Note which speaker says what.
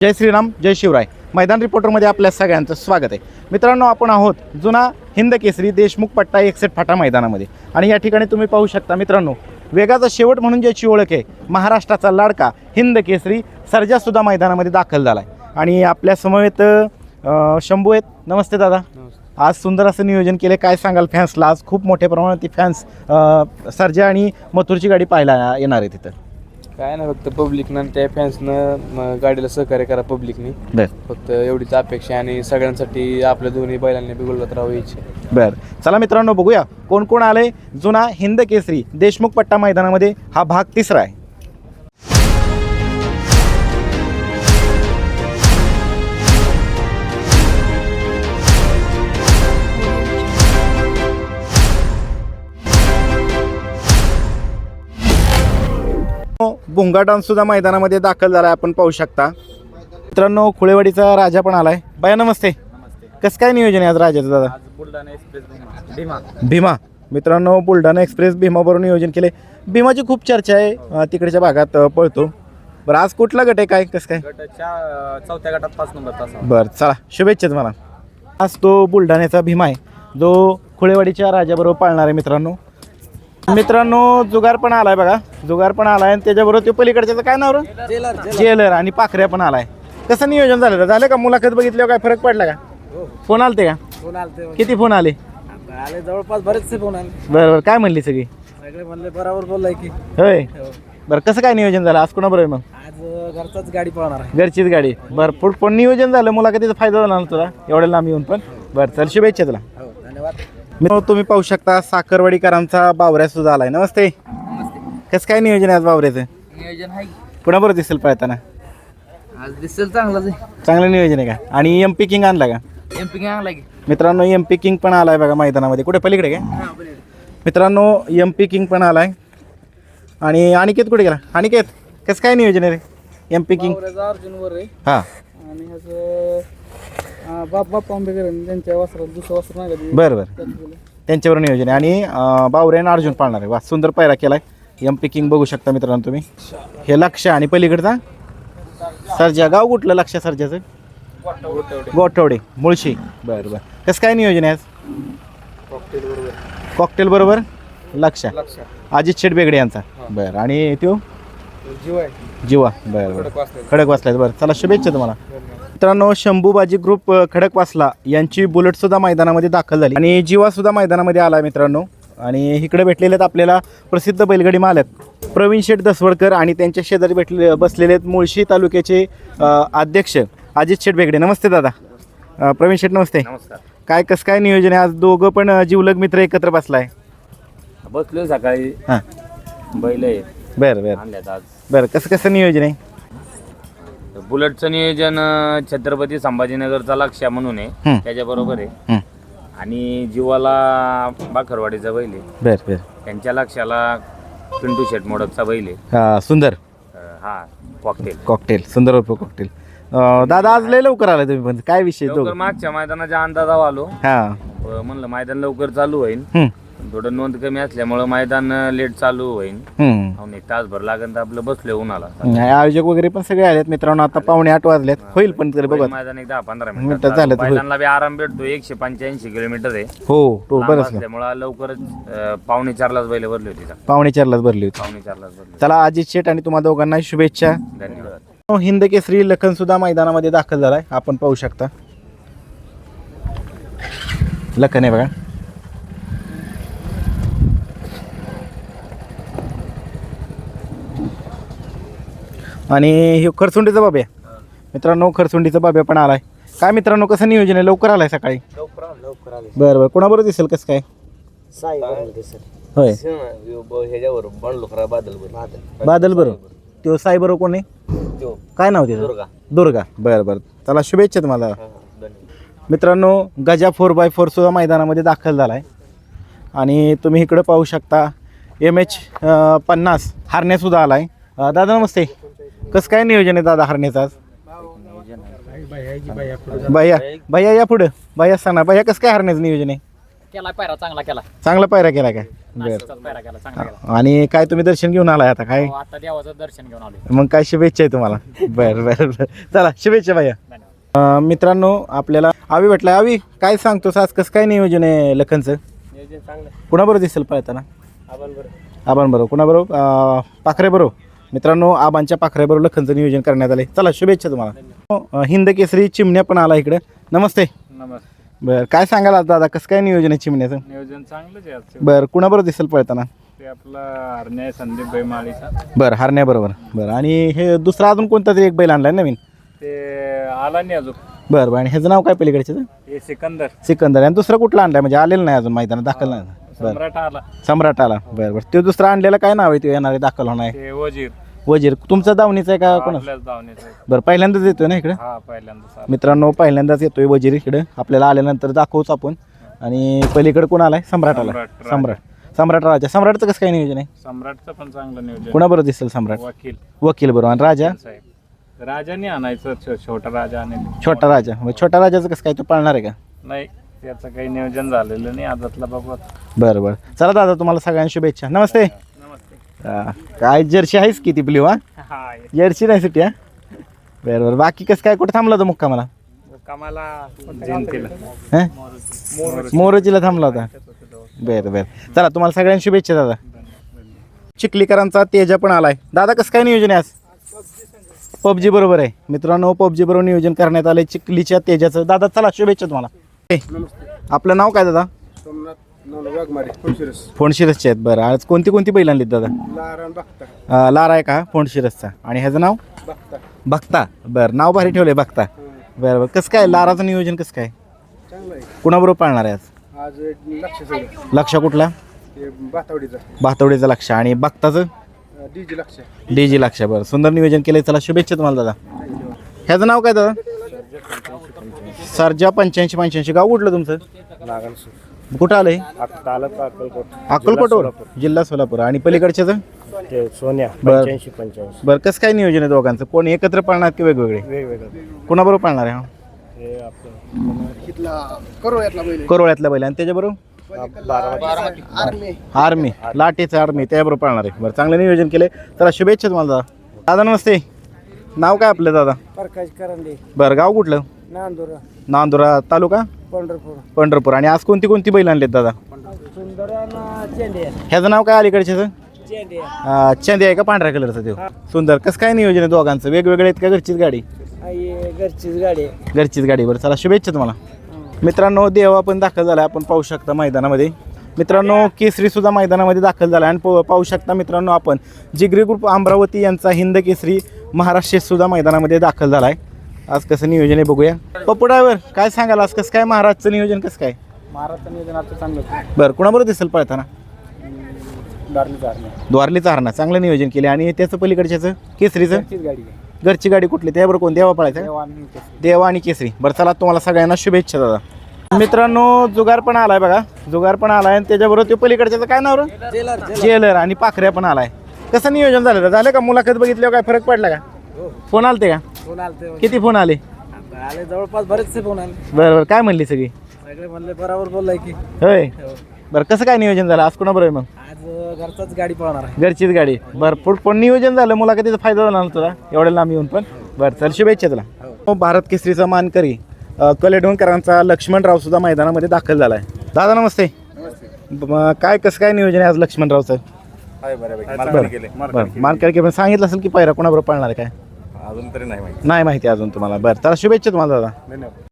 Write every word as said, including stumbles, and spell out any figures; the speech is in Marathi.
Speaker 1: जय श्रीराम जय शिवराय. मैदान रिपोर्टरमध्ये आपल्या सगळ्यांचं स्वागत आहे. मित्रांनो, आपण आहोत जुना हिंद केसरी देशमुख पट्टा एकसठ फाटा मैदानामध्ये आणि या ठिकाणी तुम्ही पाहू शकता मित्रांनो, वेगाचा शेवट म्हणून ज्याची ओळख आहे महाराष्ट्राचा लाडका हिंद केसरी सर्जासुद्धा मैदानामध्ये दाखल झाला आहे. आणि आपल्या समवेत शंभू आहेत. नमस्ते दादा. आज सुंदर असं नियोजन केलं. काय सांगाल फॅन्सला? आज खूप मोठ्या प्रमाणात ती फॅन्स सर्जा आणि मथुरची गाडी पाहायला येणार आहे तिथं.
Speaker 2: काय ना, फक्त पब्लिकनं त्या फॅन्सनं गाडीला सहकार्य करा पब्लिकनी.
Speaker 1: बर,
Speaker 2: फक्त एवढीच अपेक्षा आणि सगळ्यांसाठी आपल्या दोन्ही बैलांनी बिघडवत राहावं इच्छा.
Speaker 1: बर, चला मित्रांनो बघूया कोण कोण आले जुना हिंद केसरी देशमुख पट्टा मैदानामध्ये. हा भाग तिसरा आहे. भुंगा डान्स सुद्धा मैदानामध्ये दाखल झाला, आपण पाहू शकता. मित्रांनो, खुळेवाडीचा राजा पण आलाय. बाया नमस्ते. कसं काय नियोजन आहे आज राजाचं दादा?
Speaker 2: बुलढाणा एक्सप्रेस भीमा.
Speaker 1: भीमा. मित्रांनो, बुलढाणा एक्सप्रेस भीमाबरोबर नियोजन केले. भीमाची खूप चर्चा आहे, तिकडच्या भागात पळतो. बरं, आज कुठला गट आहे, काय कसं काय?
Speaker 2: चौथ्या गटात पाच नंबर तास.
Speaker 1: बरं, चला शुभेच्छा तुम्हाला. आज तो बुलढाण्याचा भीमा आहे जो खुळेवाडीच्या राजाबरोबर पाळणार आहे. मित्रांनो मित्रांनो जुगार पण आलाय बघा. जुगार पण आलाय आणि त्याच्याबरोबर ते पलीकडच्याचं काय नाव? जेलर आणि पाखऱ्या पण आलाय. कसं नियोजन झालं? झालं का? मुलाखत बघितल्यावर काय फरक पडला का? फोन आलते का?
Speaker 2: फोन आलते.
Speaker 1: किती फोन आले?
Speaker 2: आले जवळपास बरेचसे फोन आले.
Speaker 1: बरं बरं, काय म्हणली सगळी?
Speaker 2: सगळे म्हणले बरोबर बोललाय की.
Speaker 1: होय. बरं, कसं काय नियोजन झालं आज? कोणाबरोबर मग?
Speaker 2: आज घरचाच गाडी पळणार आहे.
Speaker 1: घरचीच गाडी. बरं, पुढं पण नियोजन झालं, मुलाखतीचा फायदा झाला ना तुला एवढ्या लांब येऊन पण. बरं, चल शुभेच्छा तुला.
Speaker 2: धन्यवाद.
Speaker 1: मित्रांनो, तुम्ही पाहू शकता साखरवाडीकरांचा बावऱ्या सुद्धा आलाय. नमस्ते. कसं काय नियोजन आहे आज बावऱ्याचं?
Speaker 2: नियोजन आहे.
Speaker 1: कुणाबरोबर दिसेल पळताना?
Speaker 2: आज दिसेल चांगलाच आहे.
Speaker 1: चांगलं नियोजन आहे का? आणि एम पी किंग आणला का?
Speaker 2: एम पी आणला की.
Speaker 1: मित्रांनो, एम पी किंग पण आलाय बघा मैदानामध्ये. कुठे पलीकडे काय? मित्रांनो, एम पी किंग पण आलाय. आणि अनिकेत कुठे गेला? अनिकेत, कसं काय नियोजन आहे रे एम पी किंग?
Speaker 2: अर्जुन वर आहे.
Speaker 1: हां,
Speaker 2: आणि ह्याचं बाप बाप आंबेकर त्यांच्या वस्त्रात दुसरं वस्त्र नाही का?
Speaker 1: बरं बरं, त्यांच्यावर नियोजन आहे. आणि बावरे आणि अर्जुन पाळणार आहे. वा, सुंदर पायरा केलाय. एम पी किंग बघू शकता मित्रांनो तुम्ही. हे लक्ष आणि पलीकडचा सर्जा. गाव कुठलं लक्ष सर्जाचं? गोठवडे मुळशी. बरं बरं, कसं काय नियोजन आहे आज? कॉकटेल बरोबर लक्ष. अजित शेठ बेगडे यांचा. बरं, आणि तो जीवा. बरं बरं, खडक वासला. बरं, चला शुभेच्छा तुम्हाला. मित्रांनो, शंभूबाजी ग्रुप खडकवासला यांची बुलेट सुद्धा मैदानामध्ये दाखल झाली आणि जीवा सुद्धा मैदानामध्ये आला मित्रांनो. आणि इकडे भेटलेले आहेत आपल्याला प्रसिद्ध बैलगाडी मालक प्रवीण शेठ दसवडकर आणि त्यांच्या शेजारी भेटले बसलेले आहेत मुळशी तालुक्याचे अध्यक्ष अजित शेठ बेगडे. नमस्ते दादा. प्रवीण शेठ नमस्ते.
Speaker 2: नमस्कार.
Speaker 1: काय कसं काय नियोजन आहे आज? दोघं पण जीवलग मित्र एकत्र बसलाय.
Speaker 2: बसलो सकाळी.
Speaker 1: हां,
Speaker 2: बैल आहे.
Speaker 1: बरं बरं
Speaker 2: आणल्यात आज.
Speaker 1: बरं, कसं कसं नियोजन आहे?
Speaker 3: बुलेटचं नियोजन छत्रपती संभाजीनगरचा लक्ष्य म्हणून आहे, त्याच्याबरोबर आहे.
Speaker 1: हं,
Speaker 3: आणि जीवाला बाखरवाडीचा बैल आहे.
Speaker 1: बरं बरं.
Speaker 3: त्यांच्या लक्ष्याला पिंटू शेट मोडकचा बैल आहे.
Speaker 1: हां, सुंदर.
Speaker 3: अं, हा कॉकटेल.
Speaker 1: कॉकटेल सुंदर उर्फ कॉकटेल. दादा, आज लय लवकर आला तुम्ही पण. काय विषय?
Speaker 3: लवकर मागच्या मैदानाच्या अंदाजावर आलो.
Speaker 1: हां,
Speaker 3: अं, म्हणलं मैदान लवकर चालू होईल.
Speaker 1: हं,
Speaker 3: थोडं नोंद कमी असल्यामुळं मैदान लेट चालू होईल.
Speaker 1: हं.
Speaker 3: हो, एक तासभर लागेल तर आपलं बसले उन्हाला.
Speaker 1: आयोजक वगैरे पण सगळे आलेत मित्रांनो. आता पावणे आठ वाजलेत. होईल पण तरी बघा.
Speaker 3: मैदान एक दहा पंधरा
Speaker 1: मिनिटात
Speaker 3: मिनिटात
Speaker 1: झालं तर होईल.
Speaker 3: मैदानाला बी आराम भेटतो. एकशे पंच्याऐंशी किलोमीटर आहे.
Speaker 1: हो, तो
Speaker 3: लांब
Speaker 1: बरंच
Speaker 3: असल्यामुळं लवकरच अं, पावणे चारलाच बैल भरली होती का?
Speaker 1: पावणे चारलाच भरली होती.
Speaker 3: पावणे चारलाच भरली.
Speaker 1: चला, अजित शेठ आणि तुम्हा दोघांना शुभेच्छा.
Speaker 3: धन्यवाद.
Speaker 1: हिंद केसरी लखन सुद्धा मैदानामध्ये दाखल झालाय, आपण पाहू शकता. लखन आहे बघा. आणि हे खरसुंडीचा बाब्या. मित्रांनो, खरसुंडीचा बाब्या पण आलाय. काय मित्रांनो, कसं नियोजन आहे? लवकर आलाय सकाळी.
Speaker 2: लवकर लवकर आले.
Speaker 1: बरं बरं, कोणाबरोबर दिसेल कसं काय?
Speaker 2: साई दिसेल.
Speaker 1: होय,
Speaker 2: ह्याच्यावर बनलो खरा बादल बादल
Speaker 1: बादल बरोबर. तो साई बरोबर कोण आहे? काय नाव त्याचं?
Speaker 2: दुर्गा.
Speaker 1: दुर्गा. बरं बरं, चला शुभेच्छा तुम्हाला.
Speaker 2: धन्यवाद.
Speaker 1: मित्रांनो, गजा फोर बाय फोर सुद्धा मैदानामध्ये दाखल झाला आहे. आणि तुम्ही इकडं पाहू शकता एम एच पन्नास हरण्यासुद्धा आला आहे. दादा नमस्ते. कसं काय नियोजन आहे दादा हरण्याचं आज? भैया भैया या पुढं. भैया, कसं काय हरण्याचं नियोजन आहे?
Speaker 4: केला पायरा चांगला केला
Speaker 1: चांगला पायरा केला काय बरं
Speaker 4: नाशिकचाच पायरा केला चांगला केला
Speaker 1: आणि काय तुम्ही दर्शन घेऊन आलाय आता काय
Speaker 4: हो, आता देवाचं दर्शन घेऊन आलो
Speaker 1: मग काय शुभेच्छा आहे तुम्हाला बरं बरं बरं चला शुभेच्छा भैया
Speaker 4: धन्यवाद.
Speaker 1: अं, मित्रांनो आपल्याला आवी भेटलाय आवी काय सांगतो आज कसं काय नियोजन आहे लखनचं
Speaker 2: नियोजन चांगलं
Speaker 1: कुणाबरोबर दिसेल पळताना
Speaker 2: आपण बरं
Speaker 1: आबां बरोबर कुणाबरोबर अं, पाखरे बरोबर मित्रांनो आबांच्या पाखऱ्याबरोबर लखनचं नियोजन करण्यात आले चला शुभेच्छा तुम्हाला अं, हिंद केसरी चिमण्या पण आला इकडे नमस्ते
Speaker 2: नमस्ते
Speaker 1: बरं काय सांगाल आज दादा कसं काय नियोजन आहे चिमण्याचं
Speaker 2: नियोजन चांगलंच आहे आजचं
Speaker 1: बरं कुणाबरोबर दिसेल पळताना
Speaker 2: ते आपला हरण्या संदीप बैमाळीचा
Speaker 1: बरं हरण्याबरोबर बरं आणि हे दुसरा अजून कोणता तरी एक बैल आणलाय नवीन
Speaker 2: ते आला नाही अजून
Speaker 1: बरं बरं आणि ह्याचं नाव काय पलीकडचे
Speaker 2: हे सिकंदर
Speaker 1: सिकंदर आणि दुसरा कुठला आणलाय म्हणजे आलेलं नाही अजून मैदानात दाखल नाही बरं
Speaker 2: सम्राट आला
Speaker 1: सम्राट आला बरं बरं तो दुसरा आणलेला काय नाव आहे तो येणारे दाखल होणार आहे
Speaker 2: ते वजीर
Speaker 1: वजीर तुमचा दावणीचा आहे का कोणा
Speaker 2: आपल्याच धावणीचा आहे.
Speaker 1: बरं पहिल्यांदाच येतोय ना इकडे
Speaker 2: हा पहिल्यांदा
Speaker 1: मित्रांनो पहिल्यांदाच येतोय वजीर इकडे आपल्याला आल्यानंतर दाखवूच आपण आणि पलीकडे कोण आलाय सम्राट आला
Speaker 2: सम्राट,
Speaker 1: सम्राट सम्राट राजा सम्राटचं कसं काय नियोजन आहे
Speaker 2: सम्राटचं पण चांगलं नियोजन
Speaker 1: कुणाबरोबर दिसेल सम्राट
Speaker 2: वकील
Speaker 1: वकील बरोबर आणि राजा
Speaker 2: साहेब राजाने आणायचं छो- छोटा राजा आणि
Speaker 1: छोटा राजा मग छोटा राजाचं कसं काय तो पाळणार आहे का
Speaker 2: नाही त्याचं काही नियोजन झालेलं नाही आदातला बाबा
Speaker 1: बरं बरं चला दादा तुम्हाला सगळ्यांना शुभेच्छा नमस्ते
Speaker 2: नमस्ते
Speaker 1: हा, काय जर्सी आहेस किती ब्ल्यू हा
Speaker 2: हा
Speaker 1: जर्सी नाही सुट्टी हा बरं बरं बाकी कसं काय कुठं थांबला होता मुक्का मला
Speaker 2: कामाला जयंतीला
Speaker 1: हां मोरोजीला थांबला होता बरं बरं चला तुम्हाला सगळ्यांना शुभेच्छा दादा चिखलीकरांचा तेजा पण आलाय दादा कसं काय नियोजन आहे आज पबजी बरोबर आहे मित्रांनो पबजी बरोबर नियोजन करण्यात आलंय चिखलीच्या तेजाचं दादा चला शुभेच्छा तुम्हाला ए, आपलं नाव काय दादा फोंडशिरसचे आहेत बरं आज कोणती कोणती बैल आणलीत दादा अं, लारा आहे का फोंडशिरसचा आणि ह्याचं नाव बघता बरं नाव भारी ठेवलंय बघता बरं बरं कसं काय लाराचं नियोजन कसं काय कुणाबरोबर पाळणार आहे आज
Speaker 2: आज लक्ष
Speaker 1: लक्ष कुठला
Speaker 2: बातावडीचा
Speaker 1: भातवडीचं लक्ष आणि बघताचं
Speaker 2: डीजी लक्ष
Speaker 1: डी जी लक्ष बरं सुंदर नियोजन केलंय चला शुभेच्छा तुम्हाला दादा ह्याचं नाव काय दादा सरजा पंच्याऐंशी पंच्याऐंशी गाव कुठलं तुमचं कुठं आलंय अक्कलकोटवर जिल्हा सोलापूर आणि पलीकडच्याचं
Speaker 2: ते सोन्या
Speaker 1: बरं.
Speaker 2: पंच्याऐंशी पंच्याऐंशी
Speaker 1: बरं कसं काय नियोजन आहे दोघांचं कोण एकत्र पाळणार की वेगवेगळे
Speaker 2: वेगवेगळं
Speaker 1: कोणाबरोबर पाळणार आहे हा?
Speaker 2: हे आपलं
Speaker 1: करोळ्यातला बैल आणि त्याच्याबरोबर आर्मी लाटेचं आर्मी त्याबरोबर पाळणार आहे बरं चांगलं नियोजन केलंय चला शुभेच्छा तुम्हाला दादा दादा नमस्ते नाव काय आपलं दादा
Speaker 2: प्रकाश करंडे
Speaker 1: बरं गाव कुठलं
Speaker 2: नांदुरा
Speaker 1: नांदुरा तालुका
Speaker 2: पंढरपूर
Speaker 1: पंढरपूर आणि आज कोणती कोणती बैल आणलेत दादा
Speaker 2: सुंदर चेंडे
Speaker 1: ह्याचं नाव काय अलीकडच्याचं
Speaker 2: चेंडे
Speaker 1: अं, चंदे आहे का पांढऱ्या कलरचं ते सुंदर कसं काय नियोजन आहे दोघांचं वेगवेगळे आहेत का घरचीच गाडी
Speaker 2: घरचीच गाडी
Speaker 1: घरचीच गाडी बरं चला शुभेच्छा तुम्हाला मित्रांनो देवा पण दाखल झाला आपण पाहू शकता मैदानामध्ये मित्रांनो केसरी सुद्धा मैदानामध्ये दाखल झाला आणि पाहू पाहू शकता मित्रांनो आपण जिगरी ग्रुप अमरावती यांचा हिंद केसरी महाराष्ट्र सुद्धा मैदानामध्ये दाखल झाला आहे आज कसं नियोजन आहे बघूया पप्पू ड्रायव्हर काय सांगाल आज कसं काय महाराजचं नियोजन कसं काय
Speaker 2: महाराष्ट्र नियोजन आता चांगलं
Speaker 1: बरं कुणाबरोबर दिसेल पळताना
Speaker 2: दारली दारली
Speaker 1: द्वारलीचा हरणा चांगलं नियोजन केले आणि त्याचं पलीकडच्याचं केसरीचं
Speaker 2: घरचीच गाडी
Speaker 1: घरची गाडी कुठली त्याबरोबर कोण देवा पळायचं देवा आणि केसरी बरं चला तुम्हाला सगळ्यांना शुभेच्छा दादा मित्रांनो जुगार पण आलाय बघा जुगार पण आलाय आणि त्याच्याबरोबर ते पलीकडच्याचं काय नाव रे जेलर आणि पाखऱ्या पण आलाय कसं नियोजन झालं झालं का मुलाखत बघितल्यावर काय फरक पडला का फोन आलते का
Speaker 2: फोन आलते
Speaker 1: किती फोन आले
Speaker 2: आले जवळपास बरेचसे फोन आले
Speaker 1: बरं बरं काय म्हणली सगळी
Speaker 2: सगळे म्हणले बरोबर बोललाय की
Speaker 1: होय बरं कसं काय नियोजन झालं आज कोणाबरोबर मग
Speaker 2: आज घरचाच गाडी पळणार आहे
Speaker 1: घरचीच गाडी बरं पुढ पण नियोजन झालं मुलाखतीचा फायदा झाला ना तुला एवढ्या लांब येऊन पण बरं चल शुभेच्छा तुला हो, भारत केसरीचा मानकरी अ, कलेडोणकरांचा लक्ष्मणराव सुद्धा मैदानामध्ये दाखल झाला आहे दादा नमस्ते म, काय कसं काय नियोजन आहे आज लक्ष्मणरावचं बरं मानकरी पण सांगितलं असेल की पायरा कोणाबरोबर पाळणार आहे काय
Speaker 5: अजून तरी नाही माहिती
Speaker 1: नाही माहिती अजून तुम्हाला बरं चला शुभेच्छा तुम्हाला दादा
Speaker 5: धन्यवाद